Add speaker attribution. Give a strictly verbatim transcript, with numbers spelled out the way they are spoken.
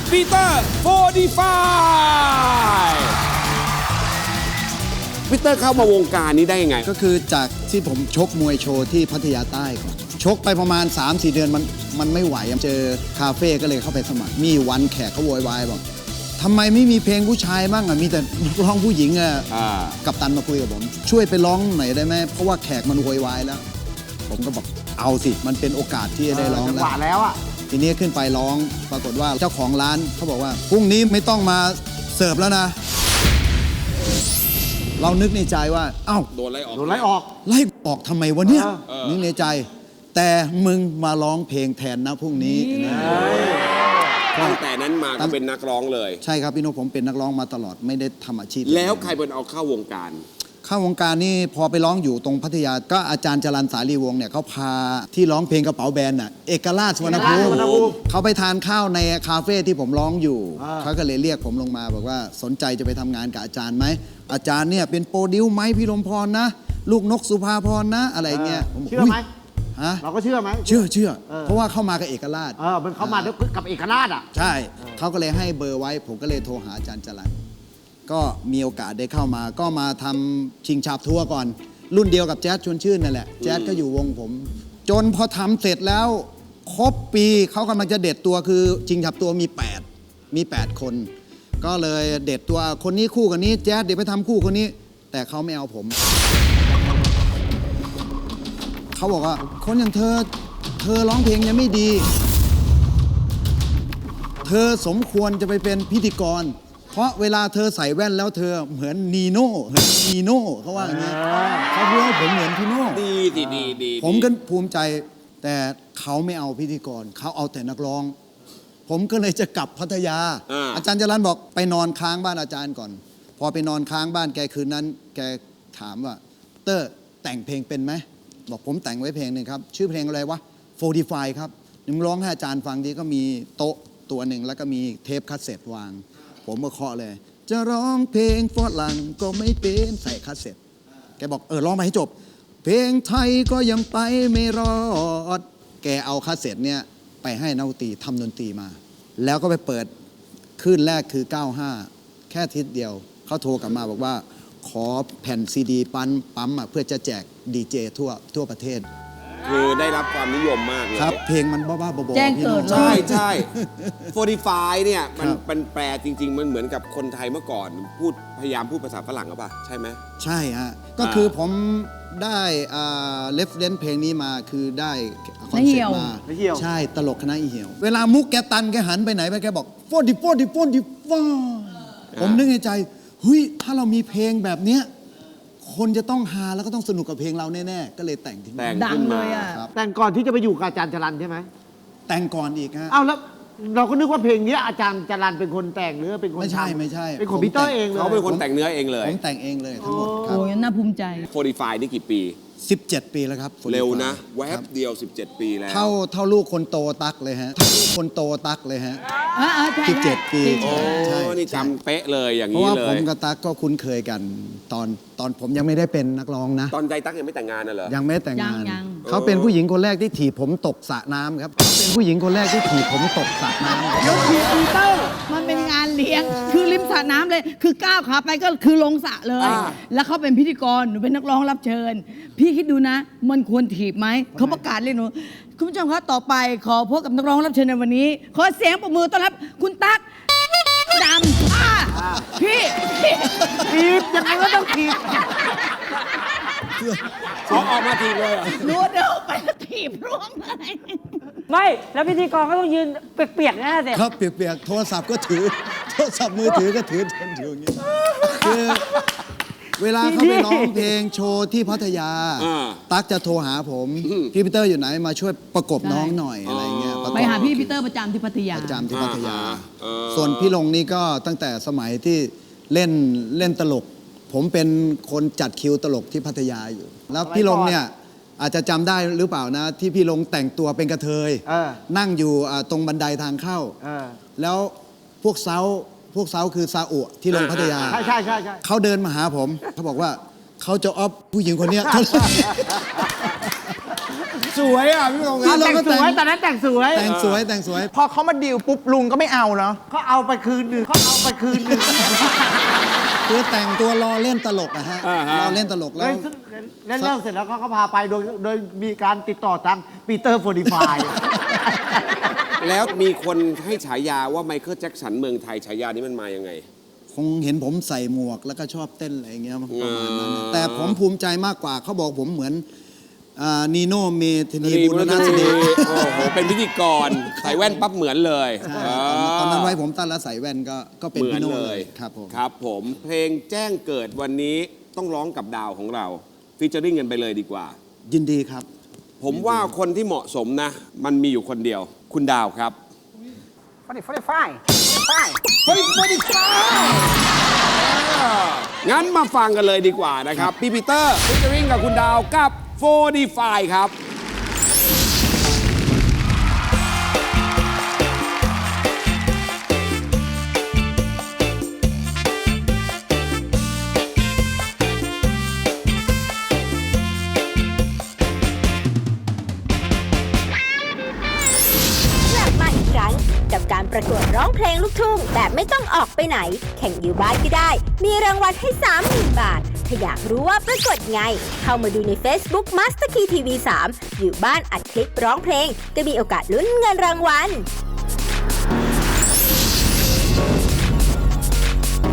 Speaker 1: ปีเตอร์โฟร์ตี้ไฟปีเตอร์เข้ามาวงการนี้ได้ยังไง
Speaker 2: ก็คือจากที่ผมชกมวยโชว์ที่พัทยาใต้ก่อนชกไปประมาณ สามสี่ เดือนมันมันไม่ไหวเจอคาเฟ่ก็เลยเข้าไปสมัครมีวันแขกเขาโวยวายบอกทำไมไม่มีเพลงผู้ชายบ้างอ่ะมีแต่ร้องผู้หญิงอ่ะกัปตันมาคุยกับผมช่วยไปร้องหน่อยได้ไหมเพราะว่าแขกมันโวยวายแล้วผมก็บอกเอาสิมันเป็นโอกาสที่จะได้ร้องแล้ว
Speaker 3: แล้วอ่ะ
Speaker 2: ทีนี้ขึ้นไปร้องปรากฏว่าเจ้าของร้านเขาบอกว่าพรุ่งนี้ไม่ต้องมาเสิร์ฟแล้วนะเรานึกในใจว่าเอ้า
Speaker 1: โดนไล่ออก
Speaker 3: โดนไล่ออก
Speaker 2: ไล่ออกทำไมวะเนี่ยนึกในใจแต่มึงมาร้องเพลงแทนนะพรุ่งนี้
Speaker 1: ตั้งแต่นั้นมาก็เป็นนักร้องเลย
Speaker 2: ใช่ครับพี่โนผมเป็นนักร้องมาตลอดไม่ได้ทำอาชีพ
Speaker 1: แล้วใครเป็นเอาเข้าวงการ
Speaker 2: เข้าวงการนี่พอไปร้องอยู่ตรงพัทยาก็อาจารย์จรัญสาลีวงศ์เนี่ยเขาพาที่ร้องเพลงกระเป๋าแบนน่ะเอกราชสุวรรณภูมิเขาไปทานข้าวในคาเฟ่ที่ผมร้องอยู่เขาก็เลยเรียกผมลงมาบอกว่าสนใจจะไปทำงานกับอาจารย์ไหมอาจารย์เนี่ยเป็นโปรดิวไหมพี่ลมพรนะลูกนกสุภาพรนะอะไรเงี้ย
Speaker 3: เชื่อไหมเราก็เชื่อไหม
Speaker 2: เชื่อเชื่อเพราะว่าเข้ามากับเอกราช
Speaker 3: เออมันเข้ามากับเอกราชอ่ะ
Speaker 2: ใช่เขาก็เลยให้เบอร์ไว้ผมก็เลยโทรหาอาจารย์จรัญก็มีโอกาสได้เข้ามาก็มาทำชิงฉาบทัวร์ก่อนรุ่นเดียวกับแจ๊สชวนชื่นนั่นแหละแจ๊สก็อยู่วงผมจนพอทำเสร็จแล้วครบปีเขากำลังจะเด็ดตัวคือชิงฉาบตัวมีแปดมีแปดคนก็เลยเด็ดตัวคนนี้คู่กันนี้แจ๊สเดี๋ยวไปทำคู่คนนี้แต่เขาไม่เอาผมเขาบอกว่าคนอย่างเธอเธอร้องเพลงยังไม่ดีเธอสมควรจะไปเป็นพิธีกรเพราะเวลาเธอใส่แว่นแล้วเธอเหมือนนีโน่นีโน่เขาว่าอย่างนี้เขาพูดว่าผมเหมือนพี่โน่
Speaker 1: ดีดีดีดี
Speaker 2: ผมก็ภูมิใจแต่เขาไม่เอาพิธีกรเขาเอาแต่นักร้องผมก็เลยจะกลับพัทยา อ, อาจารย์จรัญบอกไปนอนค้างบ้านอาจารย์ก่อนพอไปนอนค้างบ้านแกคืนนั้นแกถามว่าเตอร์แต่งเพลงเป็นไหมบอกผมแต่งไว้เพลงหนึ่งครับชื่อเพลงอะไรวะโฟร์ตี้ไฟครับนึงร้องให้อาจารย์ฟังดีก็มีโต๊ะตัวหนึ่งแล้วก็มีเทปคาสเซ็ตวางผมก็เคาะเลยจะร้องเพลงฝรั่งก็ไม่เป็นใส่คาสเซ็ตแกบอกเออร้องมาให้จบเพลงไทยก็ยังไปไม่รอดแกเอาคาสเซ็ตเนี่ยไปให้นักดนตรีทำดนตรีมาแล้วก็ไปเปิดขึ้นแรกคือเก้าห้าแค่ทิศเดียวเขาโทรกลับมาบอกว่าขอแผ่นซีดีปั๊มปั๊มอ่ะเพื่อจะแจกดีเจทั่วทั่วประเทศ
Speaker 1: คือได้รับความนิยมมากเลย
Speaker 2: ครับเพลงมันบ้าๆบอ
Speaker 4: ๆแจ้งเกิด
Speaker 1: ใช่ใช่โฟร์ตี้ไฟเนี่ยมันเป็นแปลจริงๆมันเหมือนกับคนไทยเมื่อก่อนพูดพยายามพูดภาษาฝรั่งหรือเปล่าใช่ไหม
Speaker 2: ใช่ฮะก็คือผมได้เลฟเดนเพลงนี้มาคือได้คอนเซ็ปต์มาใช่ตลกคณะอีเหี่ยวเวลามุกแกตันแกหันไปไหนไปแกบอกโฟร์ตี้โฟร์ตี้โฟร์ตี้ฟ้าผมนึกในใจเฮ้ยถ้าเรามีเพลงแบบเนี้ยคนจะต้องฮาแล้วก็ต้องสนุกกับเพลงเราแน่ๆก็เลยแต่งขึ้นมา
Speaker 4: ดังเลยอ่ะ
Speaker 3: แต่งก่อนที่จะไปอยู่กับอาจารย์จรัญใช่ไหม
Speaker 2: แต่งก่อนอีกฮะ
Speaker 3: อ้าวแล้วเราก็นึกว่าเพลงนี้อาจารย์จรัญเป็นคนแต่งหรือเป็นคน
Speaker 2: ไม่ใช่ไม่ใช่
Speaker 3: เป็นของพีเตอร์เองเลย
Speaker 1: เขาเป็นคนแต่งเนื้อเองเลย
Speaker 2: ผมแต่งเองเลยทั้งหมดครับ
Speaker 4: โอ้ยน่าภูมิใจ
Speaker 1: โฟร์ตี้ไฟนี่กี่ปี
Speaker 2: สิบเจ็ดปีแล้วครับ
Speaker 1: เร็วนะแวบเดียวสิบเจ็ดปีแล้ว
Speaker 2: เท่าเท่าลูกคนโตตักเลยฮะเท่าลูกคนโตตักเลยฮะสิบเจ็ดปี
Speaker 1: โอ้นี่จำเป๊ะเลยอย่างนี้เลย
Speaker 2: เพราะว่าผมกับตักก็คุ้นเคยกันตอนตอนผมยังไม่ได้เป็นนักร้องนะ
Speaker 1: ตอนใจตักยังไม่แต่งงานน่ะเหรอ
Speaker 2: ยังไม่แต่งงานเขาเป็นผู้หญิงคนแรกที่ถีบผมตกสระน้ำครับเขาเป็นผู้หญิงคนแรกที่ถีบผมตกสระน้ำ
Speaker 4: ยกทีปีเตอร์มันเป็นงานเลี้ยงคือริมสระน้ำเลยคือก้าวขาไปก็คือลงสระเลยแล้วเขาเป็นพิธีกรหนูเป็นนักร้องรับเชิญพี่คิดดูนะมันควรถีบไหมเขาประกาศเลยหนูคุณผู้ชมครับต่อไปขอพบกับนักร้องรับเชิญในวันนี้ขอเสียงปรบมือต้อนรับคุณตั๊กดำอ่าพี่
Speaker 3: ถีบยังไงก็ต้องถีบ
Speaker 1: ออกออกมาถีบเลย
Speaker 4: รู้เดินไปถีบร่วงเลย
Speaker 5: ไม่แล้วพิธีกรก็ต้องยืนเปียกๆนะสิ
Speaker 2: ครับเปียกๆโทรศัพท์ก็ถือโทรศัพท์มือถือก็ถือถืออย่างนี้คือเวลาเขาไปร้องเพลงโชว์ที่พัทยาตั๊กจะโทรหาผมพี่ปีเตอร์อยู่ไหนมาช่วยประกบน้องหน่อยอะไรเงี้ย
Speaker 4: ไปหาพี่ปีเตอร์ประจำที่พัทยา
Speaker 2: ประจำที่พัทยาส่วนพี่ลงนี่ก็ตั้งแต่สมัยที่เล่นเล่นตลกผมเป็นคนจัดคิวตลกที่พัทยาอยู่แล้วพี่ลงเนี่ยอาจจะจำได้หรือเปล่านะที่พี่ลงแต่งตัวเป็นกระเทยนั่งอยู่ตรงบันไดทางเข้าแล้วพวกเซาพวกเซาคือซาอุที่ลงพัทยา
Speaker 3: ใช่ใช่ใช่
Speaker 2: เขาเดินมาหาผมเขาบอกว่าเขาจะออฟผู้หญิงคนนี้
Speaker 1: สวยอ่ะพี่ตรง
Speaker 2: คือเรา
Speaker 3: แต่ง
Speaker 2: ก็
Speaker 3: ส
Speaker 2: แต่ง
Speaker 3: วยตอนนั้นแต่งสวย
Speaker 2: แต่งสวยแต่งสวย
Speaker 6: พอเขามาดิวปุ๊บลุงก็ไม่เอาเนาะ
Speaker 3: เขาเอาไปคืนหนึ่งเขาเอาไปคืนหนึ่ง
Speaker 2: คือแต่งตัวรอเล่นตลกอะฮะรอเล่นตลกแล้
Speaker 3: แล้ว วเล่นเรื่องเสร็จแล้วเขาก็พาไปโดยโดยมีการติดต่อทางปีเตอร์โฟร์ดีไฟ
Speaker 1: แล้วมีคนให้ฉายาว่าไมเคิลแจ็คสันเมืองไทยฉายานี้มันมายังไง
Speaker 2: คงเห็นผมใส่หมวกแล้วก็ชอบเต้นอะไรอย่างเงี้ยประมาณนั้น
Speaker 1: อ๋อ
Speaker 2: แต่ผมภูมิใจมากกว่าเขาบอกผมเหมือนอ่านีโน่เมธานี
Speaker 1: นี่
Speaker 2: บุญนาถนี
Speaker 1: โอ้โหเป็นพิธีกรใส่แว่นปั๊บเหมือนเลย
Speaker 2: ใช่
Speaker 1: อ่า
Speaker 2: ตอนนั้นไว้ผมตั้นแล้วใส่แว่นก็ก็เป็น
Speaker 1: เหมือ
Speaker 2: พี่
Speaker 1: น
Speaker 2: โน่
Speaker 1: เล
Speaker 2: เลย ยครับผม
Speaker 1: ครับผมเพลงแจ้งเกิดวันนี้ต้องร้องกับดาวของเราฟีเจอริ่งกันไปเลยดีกว่า
Speaker 2: ยินดีครับ
Speaker 1: ผมว่าคนที่เหมาะสมนะ มันมีอยู่คนเดียว คุณดาวครับ
Speaker 6: ฟอร์ตี้ไฟไฟ
Speaker 1: เฮ้ยไม่ได้ฟังงั้นมาฟังกันเลยดีกว่านะครับ พี่ปีเตอร์ฟีเจอริ่งกับคุณดาวกับโฟร์ดีไฟครับ
Speaker 7: กลับมาอีกครั้งกับการประกวดร้องเพลงลูกทุ่งแบบไม่ต้องออกไปไหน แข่งอยู่บ้านก็ได้ มีรางวัลให้ สามหมื่น บาท ถ้าอยากรู้ว่าประกวดไง เข้ามาดูใน Facebook Master Key ที วี สาม อยู่บ้านอัดคลิปร้องเพลง ก็มีโอกาสลุ้นเงินรางวัล